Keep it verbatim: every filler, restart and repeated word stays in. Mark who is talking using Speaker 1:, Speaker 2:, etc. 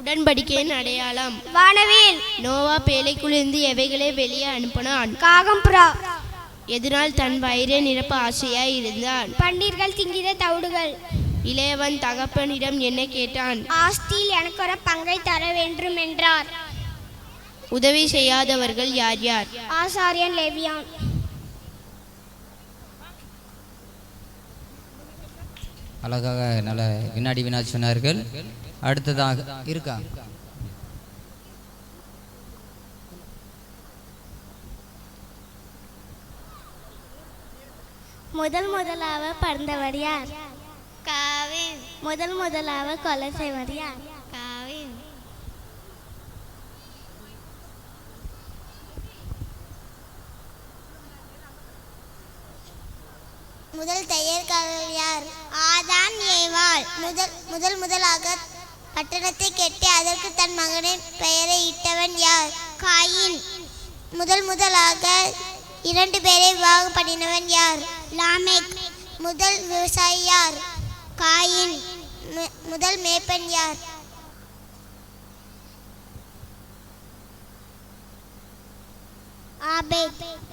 Speaker 1: உடன்படிக்கையின் அடையாளம்.
Speaker 2: வானவில்.
Speaker 1: நோவா பேழைக்குள்ளிருந்து எவைகளை வெளியே அனுப்பினான்?
Speaker 2: காகம், புறா.
Speaker 1: எதனால் தன் வயிறை நிரப்ப ஆசையாய் இருந்தான்?
Speaker 2: பன்னீர்கள் திங்கிற தவிடுகள்.
Speaker 1: இளையவன் தகப்பனிடம் என்ன கேட்டான்?
Speaker 2: ஆஸ்தியில் எனக்கு ஒரு பங்கை தர வேண்டும் என்றார்.
Speaker 1: உதவி செய்யாதவர்கள் யார் யார்?
Speaker 2: ஆசாரியன், லேவியான்.
Speaker 3: அழகாக நல்ல வினாடி வினா சொன்னார்கள். அடுத்ததாக இருக்கா?
Speaker 2: முதல் முதலாக பிறந்தவர் யார்?
Speaker 4: காவின்.
Speaker 2: முதல் முதலாக கொலை செய்வர் யார்?
Speaker 4: காவின்.
Speaker 2: முதல் தையற்காரர் யார்? ஆதாம், ஏவாள். முதல் முதல் முதலாக பட்டணத்தை கட்டி அதற்கு தன் மகனின் பெயரை இட்டவன் யார்? காயின். முதல் முதலாக இரண்டு பேரை விவாகம் பண்ணினவன் யார்? லாமேக். முதல் விவசாயி யார்? காயின். முதல் மேய்ப்பன் யார்? ஆபேல்.